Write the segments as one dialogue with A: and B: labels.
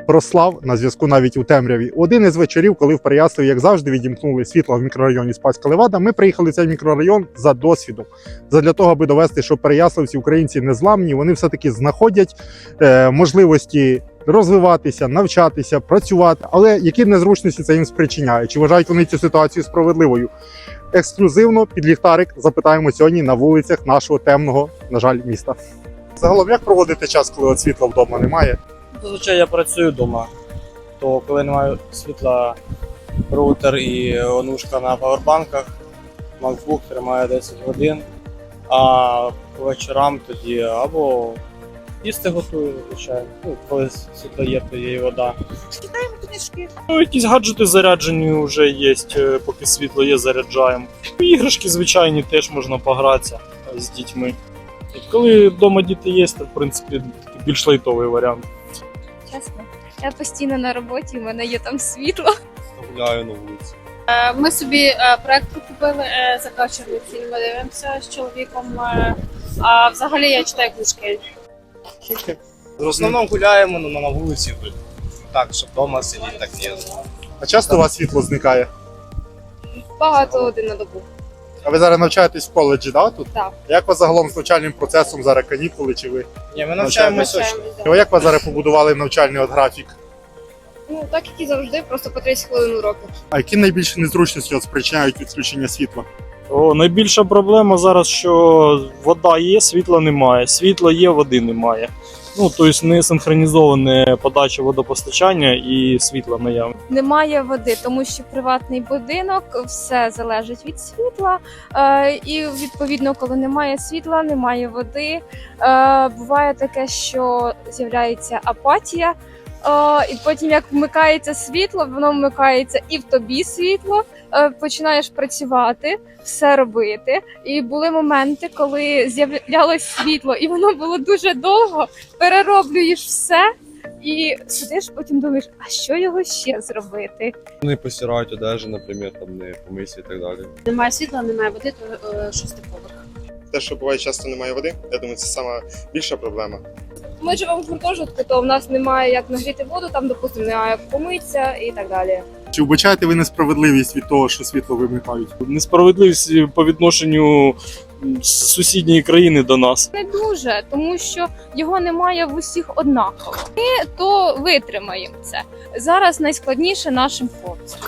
A: Рослав на зв'язку навіть у темряві. Один із вечорів, коли в Переяславі, як завжди, відімкнули світло в мікрорайоні Спаська Левада, ми приїхали в цей мікрорайон за досвідом. Задля того, аби довести, що переяславці, українці незламні, вони все-таки знаходять можливості розвиватися, навчатися, працювати. Але які незручності це їм спричиняє? Чи вважають вони цю ситуацію справедливою? Ексклюзивно під ліхтарик запитаємо сьогодні на вулицях нашого темного, на жаль, міста. Загалом, як проводити час, коли от світла вдома немає?
B: Зазвичай я працюю вдома, то коли немає світла, роутер і онушка на павербанках, MacBook тримає 10 годин, а по вечорам тоді або їсти готую, звичайно. Ну, коли світло є, то є і вода.
C: Читаємо книжки.
B: Ну, якісь гаджети заряджені вже є, поки світло є, заряджаємо. Іграшки звичайні теж можна погратися з дітьми. І коли вдома діти є, то в принципі такий більш лайтовий варіант.
D: Чесно, я постійно на роботі, у мене є там світло.
E: Гуляю на вулиці.
C: Ми собі проект купили, закачаний фільми, дивимося з чоловіком. А взагалі я читаю книжки.
E: В основному гуляємо на вулиці, так, щоб вдома сидіти, так ні.
A: А часто у вас світло зникає?
C: Багато годин на добу.
A: А ви зараз навчаєтесь в коледжі, да, тут?
C: Так.
A: Як у вас загалом з навчальним процесом зараз канікули, чи ви?
E: Ні, ми навчаємося.
A: А як ви зараз побудували навчальний от графік?
C: Ну, так як і завжди, просто по 30 хвилин уроки.
A: А які найбільші незручності от спричиняють відключення світла?
B: Найбільша проблема зараз, що вода є, світла немає. Світла є, води немає. Ну, тобто не синхронізоване подача водопостачання і світла наявне.
D: Немає води, тому що приватний будинок, все залежить від світла. І відповідно, коли немає світла, немає води. Буває таке, що з'являється апатія. І потім, як вмикається світло, воно вмикається і в тобі світло, починаєш працювати, все робити. І були моменти, коли з'являлось світло, і воно було дуже довго, перероблюєш все, і сидиш, потім думаєш, а що його ще зробити?
E: Не постирають одежу, наприклад, там не помиті і так далі.
C: Немає світла, немає води, то 6-й поверх.
F: Те, що буває часто немає води, я думаю, це сама більша проблема.
D: Ми живемо в гуртожитку, то в нас немає як нагріти воду, там, допустимо, немає як помитися і так далі.
A: Чи вбачаєте ви несправедливість від того, що світло вимикають?
B: Несправедливість по відношенню сусідньої країни до нас.
D: Не дуже, тому що його немає в усіх однаково. Ми то витримаємо це. Зараз найскладніше нашим хлопцям.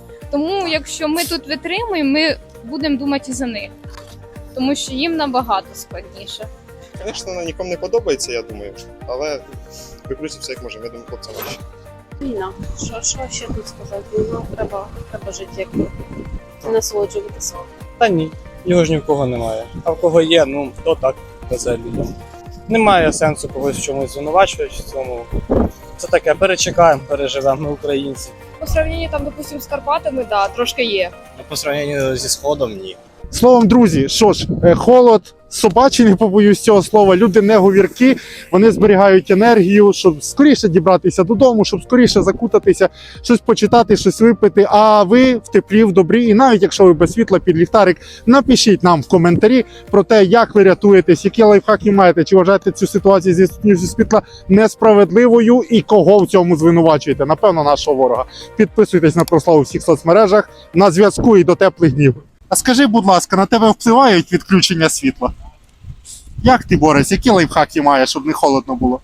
D: Тому якщо ми тут витримуємо, ми будемо думати і за них. Тому що їм набагато складніше.
F: Звісно, нікому не подобається, я думаю, але викрутимося як можемо, я думаю, хлопцям краще.
C: Війна. Що ще тут сказати? Ну, треба жити, як насолоджуватися.
B: Та ні, його ж ні в кого немає. А в кого є, ну хто так везе людям. Немає сенсу когось в чомусь звинувачувати в цьому. Це таке, перечекаємо, переживемо, ми українці.
D: По сравненню там, допустимо, з Карпатами, да, трошки є.
E: По сравненню зі Сходом, ні.
A: Словом, друзі, що ж, холод, собачий, не побоюсь цього слова, люди не говірки, вони зберігають енергію, щоб скоріше дібратися додому, щоб скоріше закутатися, щось почитати, щось випити, а ви в теплі, в добрі, і навіть якщо ви без світла під ліхтарик, напишіть нам в коментарі про те, як ви рятуєтесь, які лайфхаки маєте, чи вважаєте цю ситуацію зі відсутністю світла несправедливою і кого в цьому звинувачуєте, напевно, нашого ворога. Підписуйтесь на Прославу у всіх соцмережах, на зв'язку і до теплих днів. А скажи, будь ласка, на тебе впливають відключення світла? Як ти, Борис, які лайфхаки маєш, щоб не холодно було?